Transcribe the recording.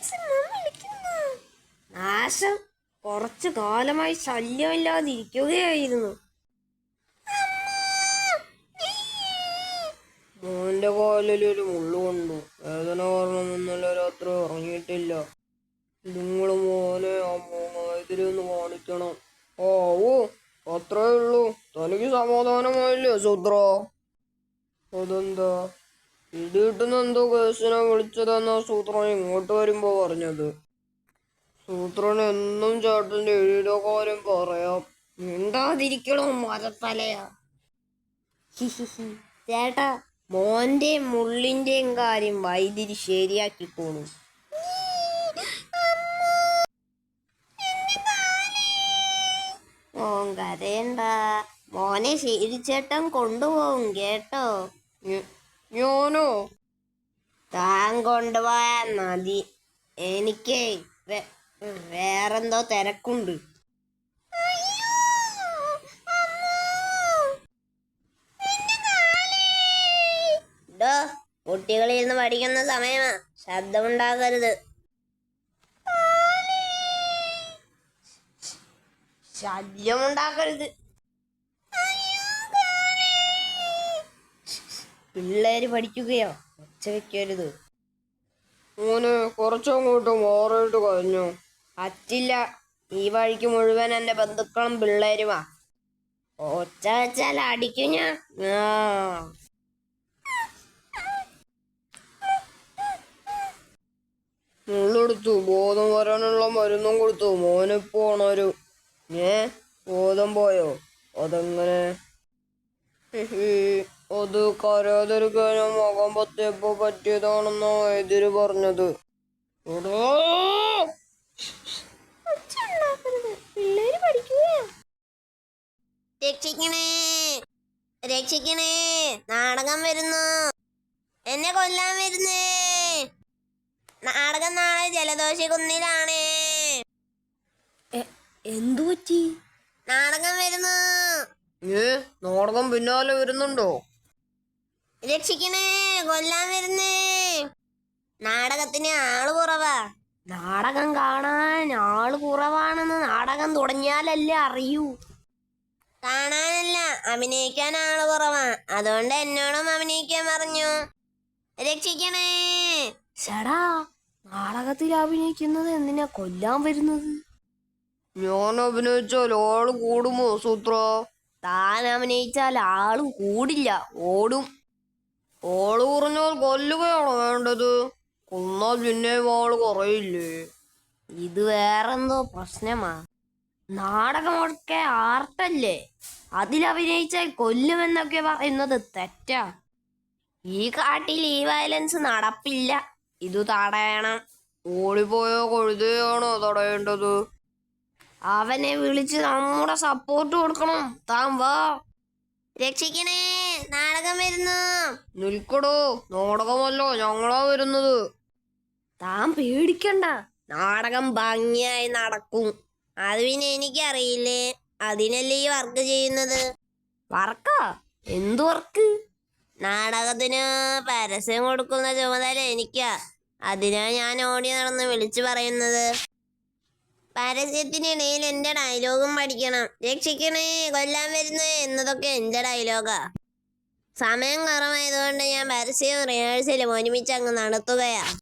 നാശം കുറച്ചു കാലമായി ശല്യമില്ലാതിരിക്കുകയായിരുന്നു. മോന്റെ കാലിലൊരു മുള്ളുകൊണ്ടു. വേദന കാരണം ഇന്നലെ രാത്രി ഉറങ്ങിയിട്ടില്ല. നിങ്ങള് മോനെ ആ മൂന്നായതിലൊന്ന് കാണിക്കണം. ഓ അത്രേ ഉള്ളൂ. തനിക്ക് സമാധാനമായില്ലേ സൂത്ര? അതെന്താ ഇടിയിട്ടുന്ന എന്തോ കേസിനെ വിളിച്ചതെന്നാ സൂത്രൻ ഇങ്ങോട്ട് വരുമ്പോ പറഞ്ഞത്. സൂത്രൻ എന്നും ചേട്ടന്റെ എഴുതിയ കാര്യം പറയാം. മിണ്ടാതിരിക്കണോ മരത്തലയാ. ചേട്ടാ, മോന്റെയും മുള്ളിന്റെയും കാര്യം വൈദ്യുതി ശരിയാക്കിക്കോളും. മോൻ കരയണ്ട, മോനെ ശീലിച്ചേട്ടൻ കൊണ്ടുപോകും കേട്ടോ. ഞാനോ? താൻ കൊണ്ടുപോയാ മതി. എനിക്കേ വേറെന്തോ തിരക്കുണ്ട്. കുട്ടികളിരുന്ന് പഠിക്കുന്ന സമയമാ, ശബ്ദമുണ്ടാക്കരുത്. ശല്യമുണ്ടാക്കരുത്. പിള്ളേര് പഠിക്കുകയോ, ഒച്ച വെക്കരുത്. മോനെ കുറച്ചങ്ങോട്ട് മാറിയിട്ട് കഴിഞ്ഞു. പറ്റില്ല, ഈ വഴിക്ക് മുഴുവൻ എന്റെ ബന്ധുക്കളും പിള്ളേരുമാ. ഒച്ച വെച്ചാൽ അടിക്കും ഞാൻ. മുള്ളെടുത്തു, ബോധം വരാനുള്ള മരുന്നും കൊടുത്തു. മോനിപ്പോ ഉണരും. ബോധം പോയോ? അതെങ്ങനെ? അത് കരയാതിരിക്കാനും മുഖം പൊത്തിയപ്പോ പറ്റിയതാണെന്നോ എതിര് പറഞ്ഞത്. പിള്ളേര് പഠിക്കുകയോ. രക്ഷിക്കണേ, രക്ഷിക്കണേ, നാടകം വരുന്നു, എന്നെ കൊല്ലാൻ വരുന്നേ. നാടകം നാളെ ജലദോഷ കുന്നിലാണ്. എന്തു പറ്റി? നാടകം വരുന്നു. നാടകം പിന്നാലെ വരുന്നുണ്ടോ? രക്ഷിക്കണേ, കൊല്ലാൻ വരുന്നേ. നാടകത്തിന് ആള് കുറവാ. നാടകം കാണാൻ ആള് കുറവാണെന്ന് നാടകം തുടങ്ങിയാലല്ലേ അറിയൂ. കാണാനല്ല, അഭിനയിക്കാൻ ആള് കുറവാ. അതുകൊണ്ട് എന്നോടും അഭിനയിക്കാൻ പറഞ്ഞു. രക്ഷിക്കണേ. ചേടാ, നാടകത്തിൽ അഭിനയിക്കുന്നത് എന്തിനാ കൊല്ലാൻ വരുന്നത്? ഞാൻ അഭിനയിച്ചാൽ ആള് കൂടുമോ സൂത്ര? താൻ അഭിനയിച്ചാൽ ആള് കൂടില്ല, ഓടും. ആള് കുറഞ്ഞാൽ കൊല്ലുകയാണോ വേണ്ടത്? കൊന്നാൽ പിന്നെയും ആള് കുറയില്ലേ? ഇത് വേറെന്തോ പ്രശ്നമാ. നാടകമൊക്കെ ആർട്ടല്ലേ, അതിലഭിനയിച്ചാൽ കൊല്ലുമെന്നൊക്കെ പറയുന്നത് തെറ്റാ. ഈ കാട്ടിൽ ഈ വയലൻസ് നടപ്പില്ല. ഇത് തടയണം. ഓടിപ്പോയ കൊഴുതയാണോ തടയേണ്ടത്? അവനെ വിളിച്ച് നമ്മുടെ സപ്പോർട്ട് കൊടുക്കണം. താൻ വാ. രക്ഷിക്കണേ, നാടകം വരുന്നു. നിൽക്കടോ, നാടകമല്ലോ, ഞങ്ങളാ വരുന്നത്. താൻ പേടിക്കണ്ട, നാടകം ഭംഗിയായി നടക്കും. അത് പിന്നെ എനിക്കറിയില്ലേ, അതിനല്ലേ ഈ വർക്ക് ചെയ്യുന്നത്. വർക്കാ? എന്ത് വർക്ക്? നാടകത്തിന് പരസ്യം കൊടുക്കുന്ന ചുമതല എനിക്കാ. അതിനാ ഞാൻ ഓടി നടന്ന് വിളിച്ചു പറയുന്നത്. പരസ്യത്തിനിടയിൽ എന്റെ ഡയലോഗും പഠിക്കണം. രക്ഷിക്കണേ, കൊല്ലാൻ വരുന്നേ എന്നതൊക്കെ എന്റെ ഡയലോഗാ. സമയം കുറവായതുകൊണ്ട് ഞാൻ പരസ്യവും റിഹേഴ്സലും ഒരുമിച്ച് അങ്ങ് നടത്തുകയാ.